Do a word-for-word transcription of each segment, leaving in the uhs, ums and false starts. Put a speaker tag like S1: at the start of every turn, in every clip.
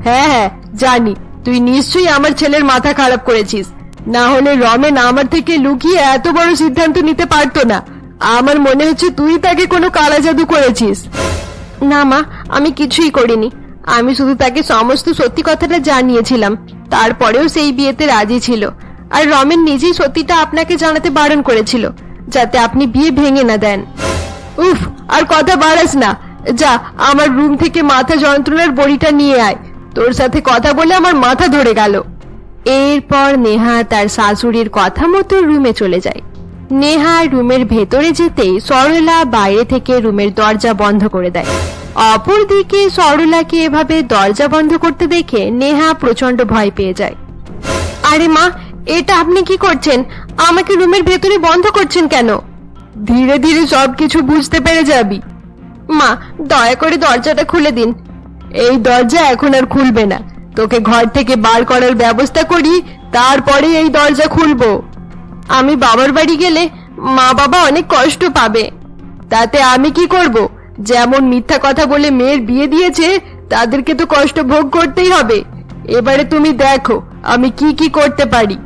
S1: হ্যাঁ হ্যাঁ জানি, তুই নিশ্চয়ই আমার ছেলের মাথা খারাপ করেছিস, না হলে রমেন আমার থেকে লুকিয়ে এত বড় সিদ্ধান্ত নিতে পারতো না। আমার মনে হচ্ছে তুই তাকে কোনো কালা জাদু করেছিস। না মা, আমি কিছুই করিনি। আমি শুধু তাকে সমস্ত সত্যি কথাটা জানিয়েছিলাম, তারপরেও সেই বিয়েতে রাজি ছিল। আর রমেন নিজেই সত্যিটা আপনাকে জানাতে বারণ করেছিল, যাতে আপনি বিয়ে ভেঙে না দেন। উফ, আর কথা বাড়াস না, যা আমার রুম থেকে মাথা যন্ত্রণার বড়িটা নিয়ে আয়। তোর সাথে কথা বলে আমার মাথা ধরে গেল। এরপর নেহা তার শাশুড়ির কথা মতো রুমে চলে যায়। নেহা রুমের ভেতরে যেতেই সরলা বাইরে থেকে রুমের দরজা বন্ধ করে দেয়। অপরদিকে সরলাকে এভাবে দরজা বন্ধ করতে দেখে নেহা প্রচন্ড ভয় পেয়ে যায়। আরে মা, এটা আপনি কি করছেন? আমাকে রুমের ভেতরে বন্ধ করছেন কেন? ধীরে ধীরে সবকিছু বুঝতে পেরে যাবি। মা, দয়া করে দরজাটা খুলে দিন। এই দরজা এখন আর খুলবে না, তোকে ঘর থেকে বার করার ব্যবস্থা করি, তারপরে এই দরজা খুলবো। আমি বাবার বাড়ি গেলে মা বাবা অনেক কষ্ট পাবে। তাতে আমি কি করব? যেমন মিথ্যা কথা বলে মেয়ের বিয়ে দিয়েছে, তাদেরকে তো কষ্ট ভোগ করতেই হবে। এবারে তুমি দেখো আমি কি কি করতে পারি।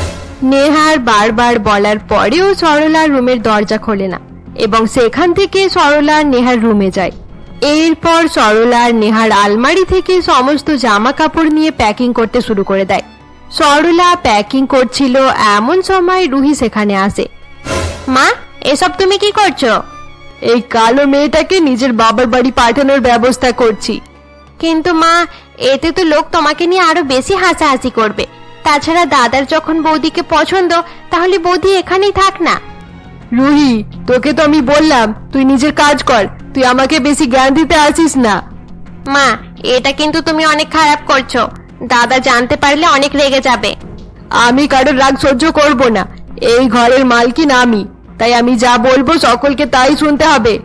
S1: নেহার বারবার বলার পরেও সরলা রুমের দরজা খোলে না এবং সেখান থেকে সরলা নেহার রুমে যায়। এরপর সরলা নেহার আলমারি থেকে সমস্ত জামা কাপড় নিয়ে প্যাকিং করতে শুরু করে দেয়। সরলা প্যাকিং করছিল এমন সময় রুহি সেখানে আসে। মা, এসব তুমি কি করছো? এই কালো মেয়েটাকে নিজের বাবার বাড়ি পাঠানোর ব্যবস্থা করছি। কিন্তু মা, এতে তো লোক তোমাকে নিয়ে আরো বেশি হাসাহাসি করবে। তাছাড়া দাদার যখন বৌদিকে পছন্দ, তাহলে বৌদি এখানেই থাক না। রুহি, তোকে তো আমি বললাম তুই নিজের কাজ কর, তুই আমাকে বেশি জ্ঞান দিতে আসিস না। মা, এটা কিন্তু তুমি অনেক খারাপ করছো। দাদা জানতে পারলে অনেক রেগে যাবে। আমি কারোর রাগ সহ্য করব না। এই ঘরের মালকিন আমি, তাই আমি যা বলবো সকলকে তাই শুনতে হবে।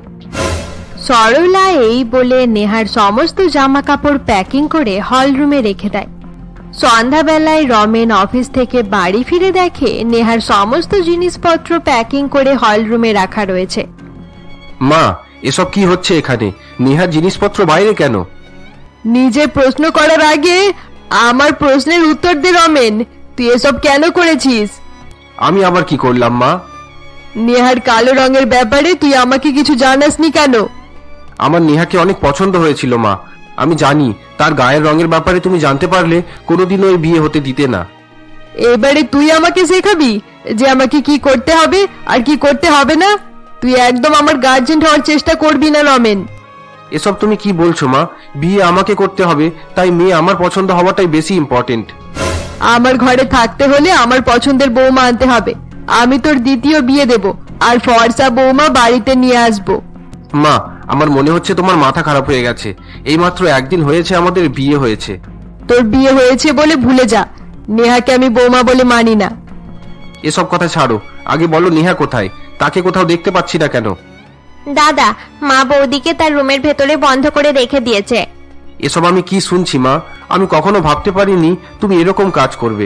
S1: সরলা এই বলে নেহার সমস্ত জামা কাপড় প্যাকিং করে হল রুমে রেখে দেয়। সন্ধ্যাবেলায় রমেন অফিস থেকে বাড়ি ফিরে দেখে নেহার সমস্ত জিনিসপত্র প্যাকিং করে হল রুমে রাখা রয়েছে।
S2: মা, এসব কি হচ্ছে এখানে? নেহার জিনিসপত্র বাইরে কেন?
S1: নিজে প্রশ্ন করার আগে আমার প্রশ্নের উত্তর দে রমেন, তুই এসব কেন করেছিস?
S2: আমি আবার কি করলাম মা?
S1: নেহার কালো রঙের ব্যাপারে তুই আমাকে কিছু জানাসনি কেন?
S2: আমার নেহাকে অনেক পছন্দ হয়েছিল মা, আমি জানি। তার গায়ের রঙের ব্যাপারে তুমি জানতে পারলে কোনোদিনও ওই বিয়ে হতে দিতে না।
S1: এবারে তুই আমাকে শেখাবি যে আমাকে কি করতে হবে আর কি করতে হবে না? তুই একদম আমার গার্জেন হওয়ার চেষ্টা করবি না রমেন।
S2: এসব তুমি কি বলছো মা? বিয়ে আমাকে করতে হবে, তাই মেয়ে আমার পছন্দ হওয়াটাই বেশি ইম্পর্টেন্ট।
S1: আমার ঘরে থাকতে হলে আমার পছন্দের বৌমা আনতে হবে। আমি তোর দ্বিতীয় বিয়ে দেব, আর ফর্সা বৌমা বাড়িতে নিয়ে আসবো।
S2: মা, আমার মনে হচ্ছে তোমার মাথা খারাপ হয়ে গেছে। এই মাত্র একদিন হয়েছে আমাদের বিয়ে হয়েছে।
S1: তোর বিয়ে হয়েছে বলে ভুলে যা, নেহাকে আমি বৌমা বলে মানি না।
S2: এসব কথা ছাড়ো, আগে বলো নেহা কোথায়? তাকে কোথাও দেখতে পাচ্ছি না কেন?
S3: দাদা, মা বৌদিকে তার রুমের ভেতরে বন্ধ করে রেখে দিয়েছে।
S2: এসব আমি কি শুনছি মা? আমি কখনো ভাবতে পারিনি তুমি এরকম কাজ করবে।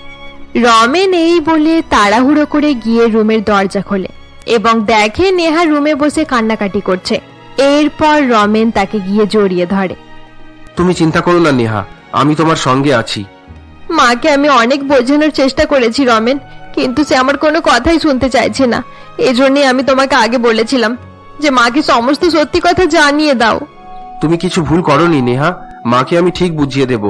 S1: রমেন এই বলে তাড়াহুড়ো করে গিয়ে রুমের দরজা খোলে এবং দেখে নেহা রুমে বসে কান্নাকাটি করছে। এরপর রমেন তাকে গিয়ে জড়িয়ে ধরে।
S2: তুমি চিন্তা করো না নেহা, আমি তোমার সঙ্গে আছি।
S1: মাকে আমি অনেক বোঝানোর চেষ্টা করেছি রমেন, কিন্তু সে আমার কোনো কথাই শুনতে চাইছে না। এজন্যই আমি তোমাকে আগে বলেছিলাম যে মাকে সমস্ত সত্যি কথা জানিয়ে দাও।
S2: তুমি কিছু ভুল করোনি নেহা, মাকে আমি ঠিক বুঝিয়ে দেব।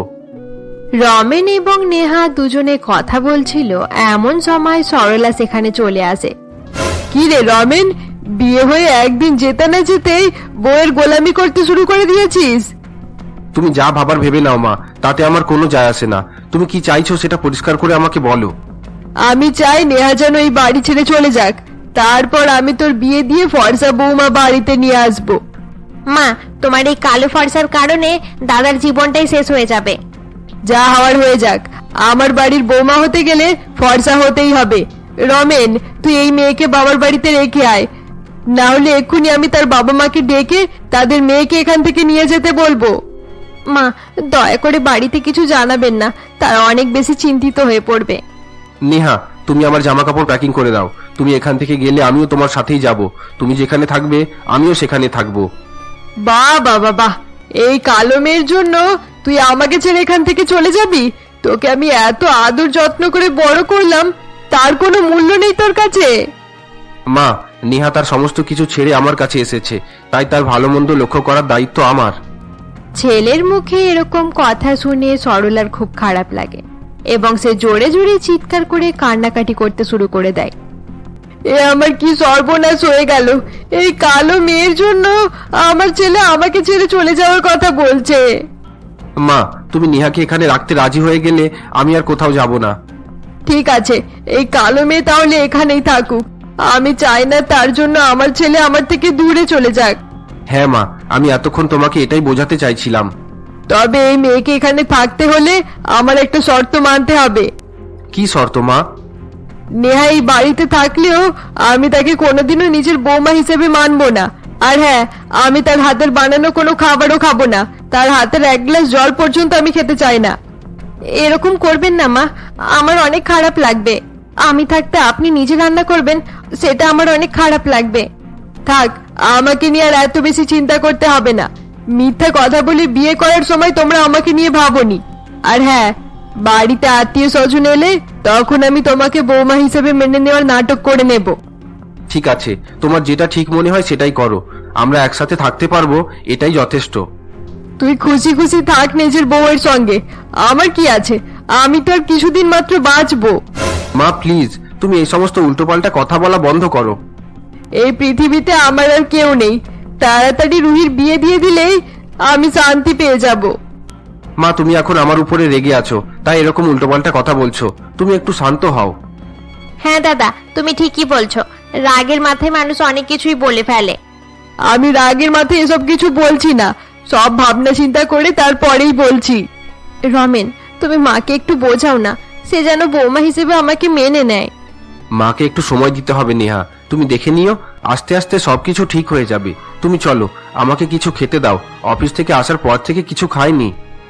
S1: রমেন এবং নেহা দুজনে কথা বলছিল এমন সময় সরলা সেখানে চলে আসে। কি রে রমেন, বিয়ে হয়ে একদিন যেতে না যেতেই বউয়ের গোলামি করতে শুরু করে দিয়েছিস?
S2: তুমি যা ভাবার ভেবে নাও মা, তাতে আমার কোনো যায় আসে না। তুমি কি চাইছো সেটা পরিষ্কার করে আমাকে বলো।
S1: আমি চাই নেহা যেন এই বাড়ি ছেড়ে চলে যাক, তারপর আমি তোর বিয়ে দিয়ে ফর্সা বৌমা বাড়িতে নিয়ে আসবো।
S3: মা, তোমার এই কালো ফর্সার কারণে দাদার জীবনটাই শেষ হয়ে যাবে।
S1: যা হওয়ার হয়ে যাক, আমার বাড়ির বৌমা হতে গেলে ফর্সা হতেই হবে। রমেন, তুই এই মেয়েকে বাবার বাড়িতে রেখে আয়, না হলে এক্ষুনি আমি তার বাবা মাকে ডেকে তাদের মেয়েকে এখান থেকে নিয়ে যেতে বলবো। মা, দয়া করে বাড়িতে কিছু জানাবেন না, তারা অনেক বেশি চিন্তিত হয়ে পড়বে।
S2: নেহা, তুমি আমার জামা কাপড় প্যাকিং করে দাও। তুমি এখান থেকে গেলে আমিও তোমার সাথেই যাব। তুমি যেখানে থাকবে আমিও সেখানে থাকবো।
S1: বাহ বাবা বাহ, এই কালো মেয়ের জন্য তুই আমাকে ছেড়ে এখান থেকে চলে যাবি? তোকে আমি এত আদর যত্ন করে বড় করলাম, তার কোনো মূল্য নেই তোর কাছে?
S2: মা, নেহা তার সমস্ত কিছু ছেড়ে আমার কাছে এসেছে, তাই তার ভালো মন্দ লক্ষ্য করার দায়িত্ব আমার।
S3: ছেলের মুখে এরকম কথা শুনে সরলার খুব খারাপ লাগে এবং সে জোরে জোরে চিৎকার করে কান্নাকাটি করতে শুরু করে দেয়।
S1: এ আমার কি সর্বনাশ হয়ে গেল! এই কালো মেয়ের জন্য আমার ছেলে আমাকে ছেড়ে চলে যাওয়ার কথা বলছে।
S2: মা, তুমি নেহাকে এখানে রাখতে রাজি হয়ে গেলে আমি আর কোথাও যাব না।
S1: ঠিক আছে, এই কালো মেয়ে তাহলে এখানেই থাকুক। আমি চাই না তার জন্য আমার ছেলে আমার থেকে দূরে চলে যাক।
S2: হ্যাঁ মা, আমি এতক্ষণ তোমাকে এটাই বোঝাতে চাইছিলাম।
S1: তবে এই মেয়েকে এখানে থাকতে হলে আমার একটা শর্ত মানতে হবে।
S2: কি শর্ত মা?
S1: নেহা এই বাড়িতে থাকলেও আমি তাকে কোনোদিনও নিজের বৌমা হিসেবে মানবো না। আর হ্যাঁ, আমি তার হাতের বানানো কোনো খাবারও খাবো না। তার হাতের এক গ্লাস জল পর্যন্ত আমি খেতে চাই না।
S3: এরকম করবেন না মা, আমার অনেক খারাপ লাগবে। আমি থাকতে আপনি নিজে রান্না করবেন, সেটা আমার অনেক খারাপ লাগবে।
S1: থাক, আমাকে নিয়ে আর এত বেশি চিন্তা করতে হবে না। মিথ্যা কথা বলে বিয়ে করার সময় তোমরা আমাকে নিয়ে ভাবোনি। আর হ্যাঁ, বাড়িতে আত্মীয় স্বজন এলে তখন আমি তোমাকে বৌমা হিসেবে মেনে নেওয়ার নাটক করে নেব।
S2: ঠিক আছে, তোমার যেটা ঠিক মনে হয় সেটাই করো। আমরা একসাথে থাকতে পারবো, এটাই যথেষ্ট।
S1: তুই খুশি খুশি থাক নিজের বউয়ের সঙ্গে, আমার কি আছে? আমি তো আর কিছুদিন মাত্র বাঁচবো।
S2: মা প্লিজ, তুমি এই সমস্ত উল্টোপাল্টা কথা বলা বন্ধ করো।
S1: এই পৃথিবীতে আমার আর কেউ নেই। তাড়াতাড়ি রুহির বিয়ে দিয়ে দিলেই আমি শান্তি পেয়ে যাব।
S2: মা, তুমি এখন আমার উপরে রেগে আছো, তাই এরকম উল্টোপাল্টা কথা বলছো। তুমি একটু শান্ত হও।
S3: হ্যাঁ দাদা, তুমি ঠিকই বলছো। রাগের মাথায় মানুষ অনেক কিছুই বলে ফেলে।
S1: আমি রাগের মাথায় এসব কিছু বলছি না, সব ভাবনা চিন্তা করে তারপরেই বলছি।
S3: রমেন, তুমি মাকে একটু বোঝাও না, সে যেন বৌমা হিসেবে আমাকে মেনে নেয়।
S2: মাকে একটু সময় দিতে হবে নেহা, তুমি দেখে নিও, আস্তে আস্তে সবকিছু ঠিক হয়ে যাবে। তুমি চলো, আমাকে কিছু খেতে দাও, অফিস থেকে আসার পর থেকে কিছু খাইনি।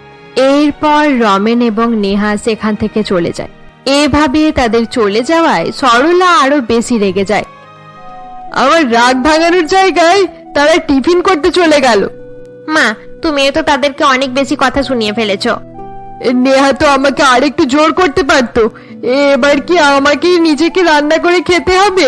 S3: এরপর রমেন এবং নেহা সেখান থেকে চলে যায়। এভাবে তাদের চলে যাওয়ায় সরলা আরো বেশি রেগে যায়।
S1: আমার রাগ ভাঙানোর জায়গায় তারা টিফিন করতে চলে গেল।
S3: মা, তুমিও তো তাদেরকে অনেক বেশি কথা শুনিয়ে ফেলেছো।
S1: নেহা তো আমাকে আরেকটু জোর করতে পারতো। এবার কি আমাকে নিজেকে রান্না করে খেতে হবে?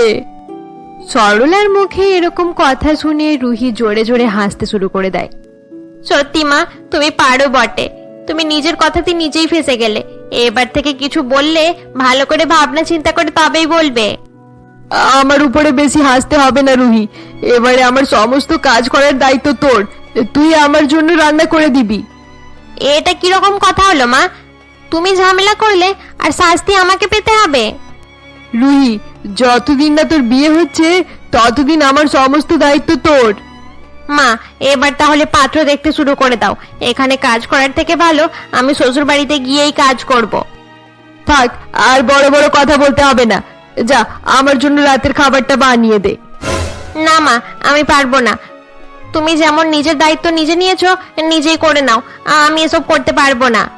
S3: সরলার মুখে এরকম কথা শুনে রুহি জোরে জোরে হাসতে শুরু করে দেয়। সত্যি মা, তুমি পারো বটে। তুমি নিজের কথাতে নিজেই ফেঁসে গেলে। এবার থেকে কিছু বললে ভালো করে ভাবনা চিন্তা করে তবেই বলবে।
S1: আমার উপরে বেশি হাসতে হবে না রুহি, এবারে আমার সমস্ত কাজ করার দায়িত্ব তোর। তুই আমার জন্য রান্না করে দিবি।
S3: এটা কিরকম কথা হলো মা? তুমি ঝামেলা করলে আর শাস্তি আমাকে পেতে হবে?
S1: রুহি, যতদিন না তোর বিয়ে হচ্ছে ততদিন আমার সমস্ত দায়িত্ব তোর।
S3: মা, এবার তাহলে পাত্র দেখতে শুরু করে দাও। এখানে কাজ করার থেকে ভালো আমি শ্বশুর বাড়িতে গিয়েই কাজ করব।
S1: থাক, আর বড় বড় কথা বলতে হবে না। যা, আমার জন্য রাতের খাবারটা বানিয়ে দে।
S3: না মা, আমি পারবো না। তুমি যেমন নিজের দায়িত্ব নিজে নিয়েছো, নিজেই করে নাও। আমি এসব করতে পারবো না।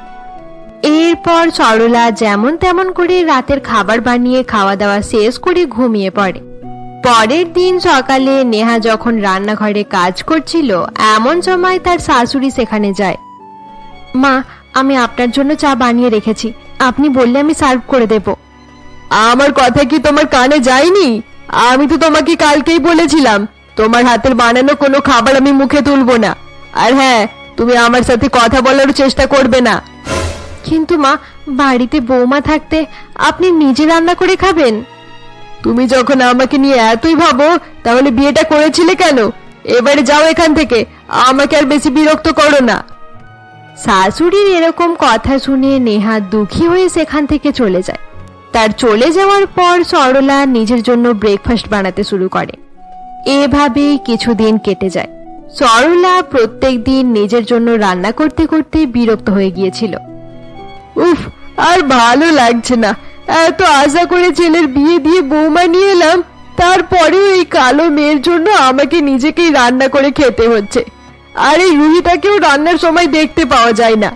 S3: এরপর সরলা যেমন তেমন করে রাতের খাবার বানিয়ে খাওয়া দাওয়া শেষ করে ঘুমিয়ে পড়ে। পরের দিন সকালে নেহা যখন রান্নাঘরে কাজ করছিল, এমন সময় তার শাশুড়ি সেখানে যায়। মা, আমি আপনার জন্য চা বানিয়ে রেখেছি, আপনি বললে আমি সার্ভ করে দেব।
S1: আমার কথা কি তোমার কানে যায়নি? আমি তো তোমাকে কালকেই বলেছিলাম তোমার হাতের বানানো কোনো খাবার আমি মুখে তুলবো না। আর হ্যাঁ, তুমি আমার সাথে কথা বলার চেষ্টা করবে না।
S3: কিন্তু মা, বাড়িতে বৌমা থাকতে আপনি নিজে রান্না করে খাবেন?
S1: তুমি যখন আমাকে নিয়ে এতই ভাবো তাহলে বিয়েটা করেছিলে কেন? এবারে যাও এখান থেকে, আমাকে আর বেশি বিরক্ত করো না।
S3: শাশুড়ির এরকম কথা শুনে নেহা দুঃখী হয়ে সেখান থেকে চলে যায়। তার চলে যাওয়ার পর সরলা নিজের জন্য ব্রেকফাস্ট বানাতে শুরু করে। এভাবেই কিছুদিন কেটে যায়। সরলা প্রত্যেক দিন নিজের জন্য রান্না করতে করতে বিরক্ত হয়ে গিয়েছিল।
S1: উফ, আর ভালো লাগছে না। এত আশা করে ছেলের বিয়ে দিয়ে বৌমা নিয়ে এলাম, তারপরেও এই কালো মেয়ের জন্য আমাকে নিজেকেই রান্না করে খেতে হচ্ছে। আর এই রুহিটাকেও রান্নার সময় দেখতে পাওয়া যায় না।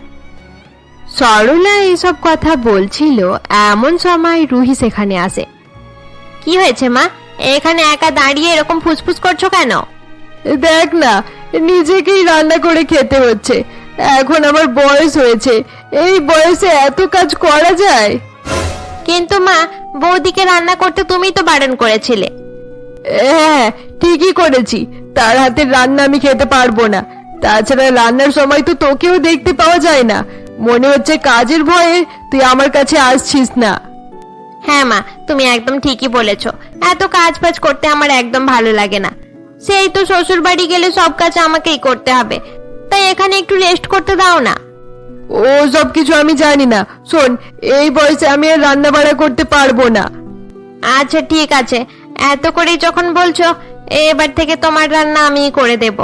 S3: সরলা এইসব কথা বলছিল, এমন সময় রুহি সেখানে আসে। কি হয়েছে মা, এখানে একা দাঁড়িয়ে এরকম ফুসফুস করছো কেন?
S1: দেখ না, নিজেকেই রান্না করে খেতে হচ্ছে। এখন আমার বয়স হয়েছে, এই বয়সে এত কাজ করা যায়?
S3: কিন্তু মা, বৌদিকে রান্না করতে তুমিই তো বারণ করেছিলে।
S1: হ্যাঁ, ঠিকই করেছি। তার হাতের রান্না আমি খেতে পারবো না। তাছাড়া রান্নার সময় তো তোকেও দেখতে পাওয়া যায় না। মনে হচ্ছে কাজের ভয়ে তুই আমার কাছে আসছিস না।
S3: হ্যাঁ মা, তুমি একদম ঠিকই বলেছো। এত কাজ বাজ করতে আমার একদম ভালো লাগে না। সেই তো শ্বশুর বাড়ি গেলে সব কাজ আমাকেই করতে হবে, তাই এখানে একটু রেস্ট করতে দাও না।
S1: ও সব কিছু আমি জানি না। শোন, এই বয়সে আমি আর রান্না বাড়া করতে পারবো না।
S3: আচ্ছা ঠিক আছে, এত করেই যখন বলছো, এবার থেকে তোমার রান্না আমিই করে দেব।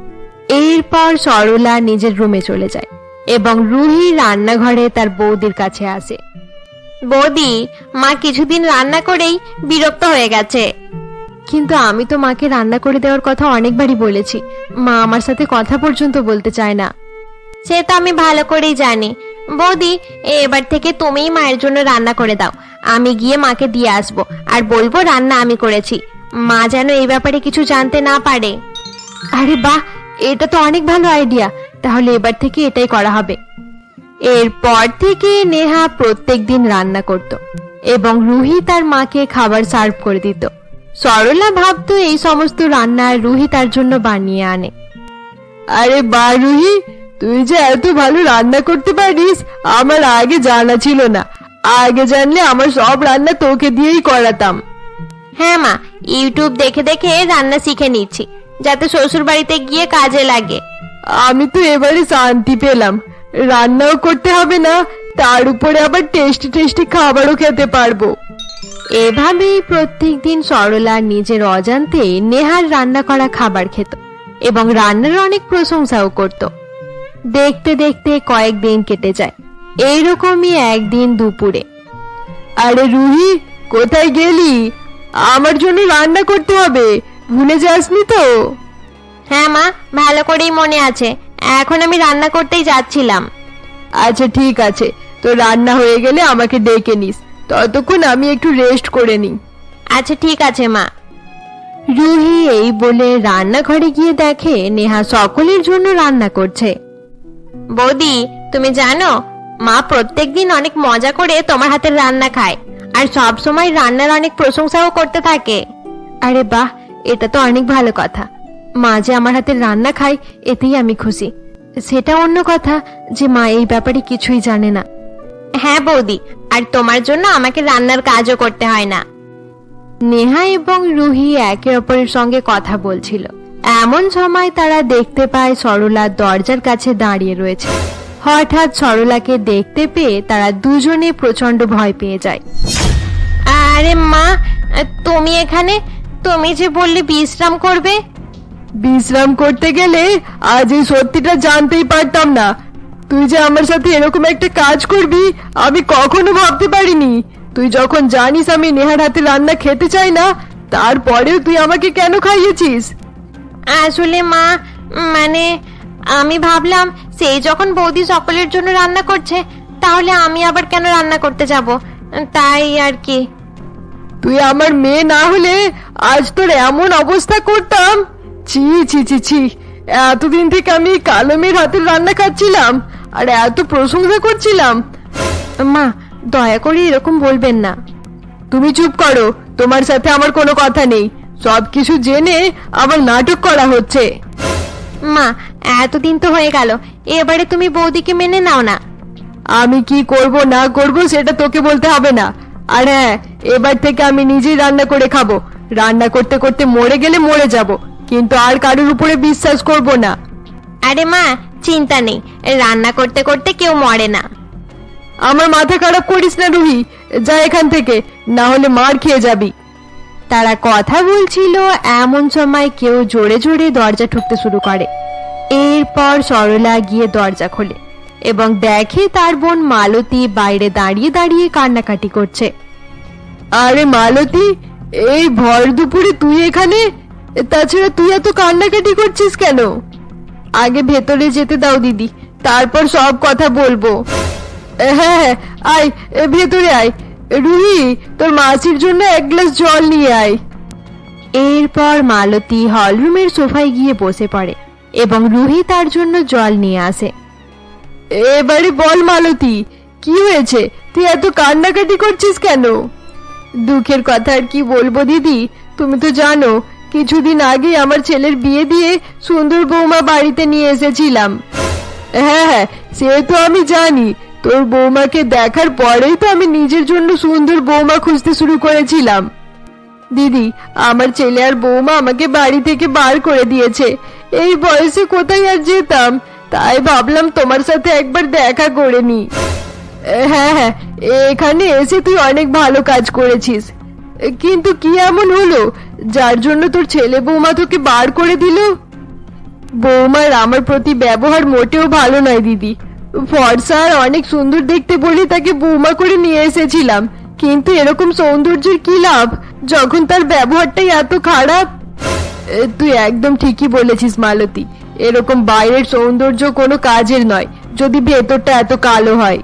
S1: এরপর সরলা নিজের রুমে চলে যায় এবং রুহি রান্নাঘরে তার বৌদির কাছে আসে।
S3: বৌদি, মা কিছুদিন রান্না করেই বিরক্ত হয়ে গেছে।
S1: কিন্তু আমি তো মাকে রান্না করে দেওয়ার কথা অনেকবারই বলেছি, মা আমার সাথে কথা পর্যন্ত বলতে চায় না।
S3: সে তো আমি ভালো করেই জানি। বৌদি, এবার থেকে তুমিই মায়ের জন্য রান্না করে দাও। আমি গিয়ে মাকে দিয়ে আসবো আর বলবো রান্না আমি করেছি। মা যেন এই ব্যাপারে কিছু জানতে না পারে।
S1: আরে বাহ, এটা তো অনেক ভালো আইডিয়া। তাহলে এবার থেকে এটাই করা হবে। এরপর থেকে নেহা প্রত্যেকদিন রান্না করত এবং রুহি তার মাকে খাবার সার্ভ করে দিত। সরলা ভাবতো এই সমস্ত রান্না রুহি তার জন্য বানিয়ে আনে। আরে বাহ রুহি, তুই যে এত ভালো রান্না করতে পারিস আমার আগে জানা ছিল না। আগে জানলে আমার সব রান্না তোকে দিয়েই করাতাম।
S3: হ্যাঁ মা, ইউটিউব দেখে দেখে রান্না শিখে নিচ্ছি, যাতে শ্বশুর বাড়িতে গিয়ে কাজে লাগে।
S1: আমি তো এবারে শান্তি পেলাম। রান্নাও করতে হবে না, তার উপরে আবার টেস্টি টেস্টি খাবারও খেতে পারবো। এভাবেই প্রত্যেকদিন সরলা নিজের অজান্তে নেহার রান্না করা খাবার খেত এবং রান্নার অনেক প্রশংসাও করত। দেখতে দেখতে কয়েকদিন কেটে যায়। এইরকমই একদিন দুপুরে, আরে রুহি, কোথায় গেলি? আমার জন্য রান্না করতে হবে, ভুলে যাসনি তো?
S3: হ্যাঁ মা, ভালো করেই মনে আছে। এখন আমি রান্না করতেই যাচ্ছিলাম।
S1: আচ্ছা ঠিক আছে, তো রান্না হয়ে গেলে আমাকে ডেকে নিস। ততক্ষণ আমি একটু রেস্ট করে নিই।
S3: আচ্ছা ঠিক আছে মা।
S1: রুহি এই বলে রান্নাঘরে গিয়ে দেখে নেহা সকলের জন্য রান্না করছে।
S3: বৌদি, তুমি জানো, মা প্রত্যেকদিন অনেক মজা করে তোমার হাতের রান্না খায় আর সব সময় রান্নার অনেক প্রশংসাও করতে থাকে।
S1: আরে বাহ, এটা তো অনেক ভালো কথা। মা যে আমার হাতের রান্না খায় এতেই আমি খুশি। সেটা অন্য কথা যে মা এই ব্যাপারে কিছুই জানে না।
S3: হ্যাঁ বৌদি, আর তোমার জন্য আমাকে রান্নার কাজও করতে হয় না।
S1: নেহা এবং রুহি একে অপরের সঙ্গে কথা বলছিল। এমন সময় তারা দেখতে পায় সরলা দরজার কাছে দাঁড়িয়ে রয়েছে। হঠাৎ সরলাকে দেখতে পেয়ে তারা দুজনে প্রচন্ড ভয় পেয়ে যায়।
S3: আরে মা, তুমি এখানে? তুমি যে বললে বিশ্রাম করবে।
S1: বিশ্রাম করতে গেলে আজ এই সত্যিটা জানতেই পারতাম না। তুই যে আমার সাথে এরকম একটা কাজ করবি আমি কখনো ভাবতে পারিনি। তুই যখন জানিস আমি নেহার হাতে রান্না খেতে চাই না, তারপরেও তুই আমাকে কেন খাইয়েছিস?
S3: আসলে মা, মানে আমি ভাবলাম সেই যখন বৌদি সকলের জন্য রান্না করছে, তাহলে আমি আবার কেন রান্না করতে যাব, তাই আর কি।
S1: তুই আমার মেয়ে না হলে আজ তোর এমন অবস্থা করতাম? ছি ছি ছি ছি, এতদিন থেকে আমি কালো মেয়ের হাতের রান্না খাচ্ছিলাম আর এত প্রশংসা করছিলাম। মা, দয়া করে এরকম বলবেন না। তুমি চুপ করো, তোমার সাথে আমার কোনো কথা নেই। সবকিছু জেনে আবার নাটক করা হচ্ছে।
S3: মা, এতদিন তো হয়ে গেল, এবারে তুমি বৌদিকে মেনে নাও না।
S1: আমি কি করব না করব সেটা তোকে বলতে হবে না। আর হ্যাঁ, এবার থেকে আমি নিজেই রান্না করে খাবো। রান্না করতে করতে মরে গেলে মরে যাব, কিন্তু আর কারোর উপরে বিশ্বাস করব না।
S3: আরে মা, চিন্তা নেই, রান্না করতে করতে কেউ মরে না।
S1: আমার মাথা খারাপ করিস না রুহি, যা এখান থেকে, না হলে মার খেয়ে যাবি। তারা কথা বলছিল এমন সময় কেউ জোরে জোরে দরজা ঠুকতে শুরু করে। এরপর সরলা গিয়ে দরজা খোলে এবং দেখে তার বোন মালতী বাইরে দাঁড়িয়ে দাঁড়িয়ে কান্নাকাটি করছে। আরে মালতী, এই ভর দুপুরে তুই এখানে? তাছাড়া তুই এত কান্নাকাটি করছিস কেন? আগে ভেতরে যেতে দাও দিদি, তারপর সব কথা বলবো। হ্যাঁ, আয় ভেতরে আয়। রুহি, তোর মাসির জন্য এক গ্লাস জল নিয়ে আয়। এরপর মালতী হলরুমের সোফায় গিয়ে বসে পড়ে এবং রুহি তার জন্য জল নিয়ে আসে। এবারে বল মালতী, কি হয়েছে? তুই এত কান্নাকাটি করছিস কেন? দুঃখের কথা আর কি বলবো দিদি, তুমি তো জানো কিছুদিন আগে আমার ছেলের বিয়ে দিয়ে সুন্দর বৌমা বাড়িতে নিয়ে এসেছিলাম। হ্যাঁ হ্যাঁ, সে তো আমি জানি। তোর বৌমাকে দেখার পরেই তো আমি নিজের জন্য সুন্দর বৌমা খুঁজতে শুরু করেছিলাম। দিদি, আমার ছেলে আর বৌমা আমাকে বাড়ি থেকে বার করে দিয়েছে। এই বয়সে কোথায় আর যেতাম, তাই ভাবলাম তোমার সাথে একবার দেখা করে নি। হ্যাঁ হ্যাঁ, এখানে এসে তুই অনেক ভালো কাজ করেছিস, কিন্তু কি এমন হলো যার জন্য তোর ছেলে বৌমা তোকে বার করে দিল? বৌমার আমার প্রতি ব্যবহার মোটেও ভালো নয় দিদি। ফর্সা আর অনেক সুন্দর দেখতে বলে তাকে বৌমা করে নিয়ে এসেছিলাম, কিন্তু এরকম সৌন্দর্যের কি লাভ যখন তার ব্যবহারটাই এত খারাপ। এ, তুই একদম ঠিকই বলেছিস মালতী, এরকম বাইরের সৌন্দর্য কোনো কাজের নয় যদি ভেতরটা এত কালো হয়।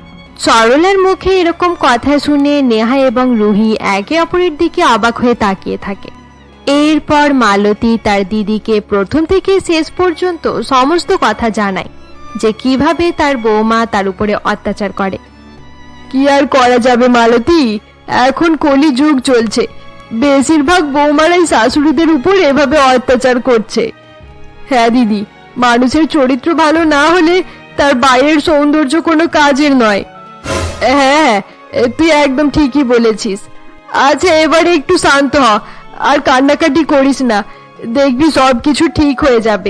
S3: সরলার মুখে এরকম কথা শুনে নেহা এবং রুহি একে অপরের দিকে অবাক হয়ে তাকিয়ে থাকে। এরপর মালতী তার দিদিকে প্রথম থেকে শেষ পর্যন্ত সমস্ত কথা জানায় যে কিভাবে তার বৌমা তার উপরে অত্যাচার করে।
S1: কি আর করা যাবে মালতী, এখন কলি যুগ চলছে, বেশিরভাগ বৌমারাই শাশুড়িদের উপর এভাবে অত্যাচার করছে। হ্যাঁ দিদি, মানুষের চরিত্র ভালো না হলে তার বাইরের সৌন্দর্য কোনো কাজের নয়। হ্যাঁ, তুই একদম ঠিকই বলেছিস। আচ্ছা, এবারে একটু শান্ত হ আর কান্নাকাটি করিস না, দেখবি সবকিছু ঠিক হয়ে যাবে।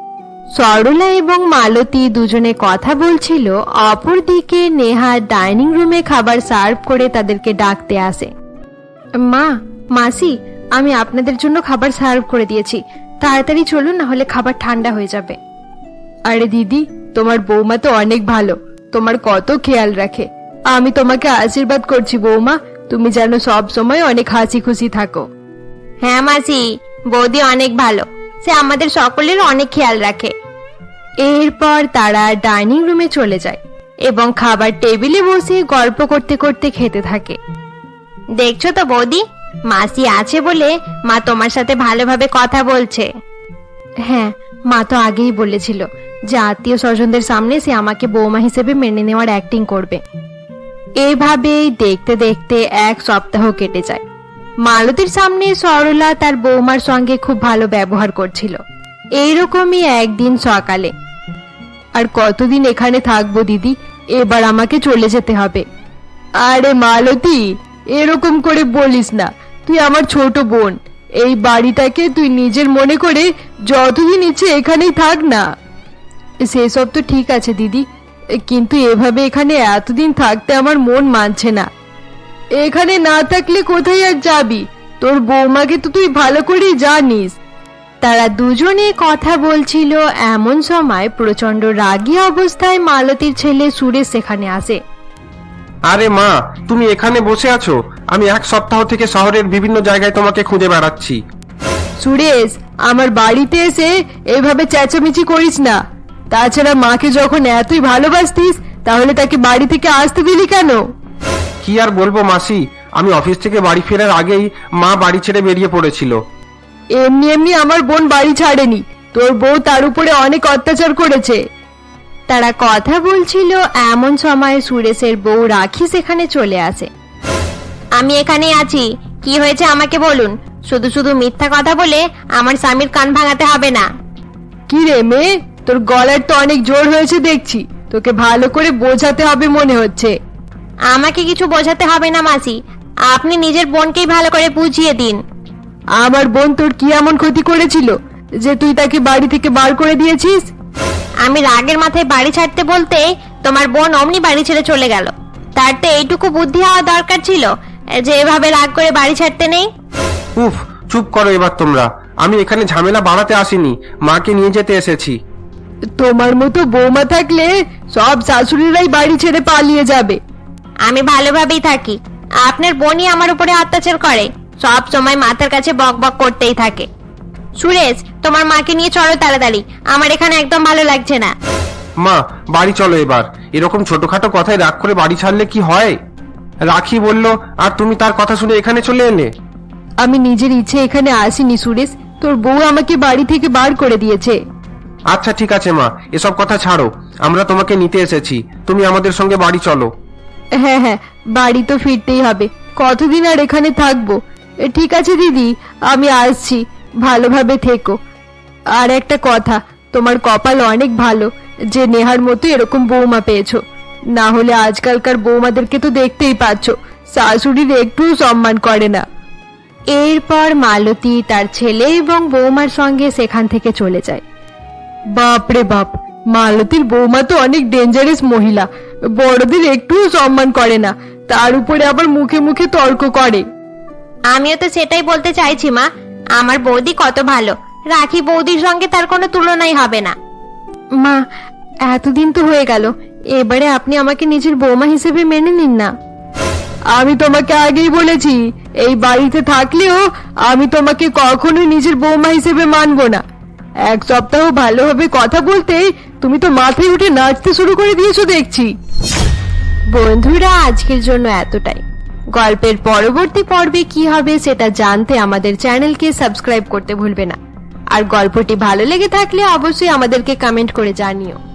S3: সরলা এবং মালতী দুজনে কথা বলছিল, অপরদিকে নেহা ডাইনিং রুমে খাবার সার্ভ করে তাদেরকে ডাকতে আসে। মা, মাসি, আমি আপনাদের জন্য খাবার সার্ভ করে দিয়েছি, তাড়াতাড়ি চলুন, না হলে খাবার ঠান্ডা হয়ে যাবে।
S1: আরে দিদি, তোমার বৌমা তো অনেক ভালো, তোমার কত খেয়াল রাখে। আমি তোমাকে আশীর্বাদ করছি বৌমা, তুমি যেন সব সময় অনেক হাসি খুশি থাকো।
S3: হ্যাঁ মাসি, বৌদি অনেক ভালো, সে আমাদের সকলের অনেক খেয়াল রাখে। এরপর তারা ডাইনিং রুমে চলে যায় এবং খাবার টেবিলে বসে গল্প করতে করতে খেতে থাকে। দেখছো তো বৌদি, মাসি আছে বলে মা তোমার সাথে ভালোভাবে কথা বলছে। হ্যাঁ, মা তো আগেই বলেছিল যে আত্মীয় স্বজনদের সামনে সে আমাকে বৌমা হিসেবে মেনে নেওয়ার অ্যাক্টিং করবে। এভাবেই দেখতে দেখতে এক সপ্তাহ কেটে যায়। মালতীর সামনে সরলা তার বৌমার সঙ্গে খুব ভালো ব্যবহার করছিল। এইরকমই একদিন সকালে,
S1: আর কতদিন এখানে থাকবো দিদি, এবার আমাকে চলে যেতে হবে। আরে মালতী, এরকম করে বলিস না, তুই আমার ছোট বোন, এই বাড়িটাকে তুই নিজের মনে করে যতদিন ইচ্ছে এখানেই থাক না। সেসব তো ঠিক আছে দিদি, কিন্তু এভাবে এখানে এতদিন থাকতে আমার মন মানছে না। এখানে না থাকলে কোথায় আর যাবি? তোর বৌমাকে তো তুই ভালো করেই জানিস।
S3: তারা দুজনে কথা বলছিল, এমন সময় প্রচন্ড রাগী অবস্থায় মালতীর ছেলে সুরেশ সেখানে আসে।
S2: আরে মা, তুমি এখানে বসে আছো? আমি এক সপ্তাহ থেকে শহরের বিভিন্ন জায়গায় তোমাকে খুঁজে বেড়াচ্ছি।
S1: সুরেশ, আমার বাড়িতে এসে এভাবে চেঁচামেচি করিস না। তাছাড়া মাকে যখন এতই ভালোবাসতিস, তাহলে তাকে বাড়ি থেকে আসতে দিলি কেন?
S2: কি আর বলবো মাসি, আমি অফিস থেকে বাড়ি ফেরার আগেই মা বাড়ি ছেড়ে বেরিয়ে পড়েছিল।
S1: এমনি এমনি আমার বোন বাড়ি ছাড়েনি, তোর বউ তার উপরে অনেক অত্যাচার করেছে।
S3: তারা কথা বলছিল, এমন সময় সুরেশের বউ রাখি সেখানে চলে আসে। আমি এখানে আছি, কি হয়েছে আমাকে বলুন, শুধু শুধু মিথ্যা কথা বলে আমার স্বামীর কান ভাঙাতে হবে না।
S1: কি রে মেয়ে, তোর গলার তো অনেক জোর হয়েছে দেখছি, তোকে ভালো করে বোঝাতে হবে মনে হচ্ছে।
S3: আমাকে কিছু বোঝাতে হবে না মাসি, আপনি নিজের বোনকেই ভালো করে বুঝিয়ে দিন।
S1: আমার বোন তোর কি এমন ক্ষতি করেছিল যে তুই তাকে বাড়ি থেকে বার করে দিয়েছিস?
S3: আমি রাগের মাথায় বাড়ি ছাড়তে বলতে তোমার বোন অমনি বাড়ি ছেড়ে চলে গেল। তার তো এইটুকু বুদ্ধি হওয়া দরকার ছিল যে এভাবে রাগ করে বাড়ি ছাড়তে নেই।
S2: উফ, চুপ করো এবার তোমরা। আমি এখানে ঝামেলা বাড়াতে আসিনি, মাকে নিয়ে যেতে এসেছি।
S1: তোমার মতো বৌমা থাকলে সব শাশুড়িরাই বাড়ি ছেড়ে পালিয়ে যাবে।
S3: আমি ভালোভাবেই থাকি, আপনার বোনই আমার উপরে অত্যাচার করে, সব সময় মাথার কাছে বক বক করতেই থাকে। সুরেশ, তোমার মাকে নিয়ে চলো তাড়াতাড়ি, আমার এখানে একদম ভালো লাগছে না।
S2: মা, বাড়ি চলো এবার। এরকম ছোটখাটো কথায় রাগ করে বাড়ি ছাড়লে কি হয়? রাখি বলল, আর তুমি তার কথা শুনে এখানে চলে এলে।
S1: আমি নিজের ইচ্ছে এখানে আসিনি সুরেশ, তোর বউ আমাকে বাড়ি থেকে বার করে দিয়েছে।
S2: আচ্ছা ঠিক আছে মা, এসব কথা ছাড়ো, আমরা তোমাকে নিতে এসেছি, তুমি আমাদের সঙ্গে বাড়ি চলো।
S1: হ্যাঁ হ্যাঁ, বাড়ি তো ফিরতেই হবে, কতদিন আর এখানে থাকবো। এ, ঠিক আছে দিদি, আমি আসছি, ভালোভাবে থেকো। আর একটা কথা, তোমার কপাল অনেক ভালো যে নেহার মতো এরকম বৌমা পেয়েছো, না হলে আজকালকার বৌমাদেরকে তো দেখতেই পাচ্ছ, শাশুড়ির একটু সম্মান করে না।
S3: এরপর মালতী তার ছেলে এবং বৌমার সঙ্গে সেখান থেকে চলে যায়।
S1: বাপরে বাপ, মালতীর বৌমা তো অনেক ডেঞ্জারাস মহিলা, বড়দের একটুও সম্মান করে না, তার উপরে আবার মুখে মুখে তর্ক করে।
S3: আমিও তো সেটাই বলতে চাইছি মা, আমার বৌদি কত ভালো, রাখি বৌদির সঙ্গে তার কোনো তুলনাই হবে না।
S1: মা, এতদিন তো হয়ে গেল, এবারে আপনি আমাকে নিজের বৌমা হিসেবে মেনে নিন না। আমি তোমাকে আগেই বলেছি, এই বাড়িতে থাকলেও আমি তোমাকে কখনোই নিজের বৌমা হিসেবে মানবো না। এক সপ্তাহ ভালোভাবে কথা বলতেই তুমি তো মাথায় উঠে নাচতে শুরু করে দিয়েছো দেখছি।
S3: বন্ধুরা, আজকের জন্য এতটাই। গল্পের পরবর্তী পর্বে কি হবে সেটা জানতে আমাদের চ্যানেলকে সাবস্ক্রাইব করতে ভুলবে না। আর গল্পটি ভালো লেগে থাকলে অবশ্যই আমাদেরকে কমেন্ট করে জানিও।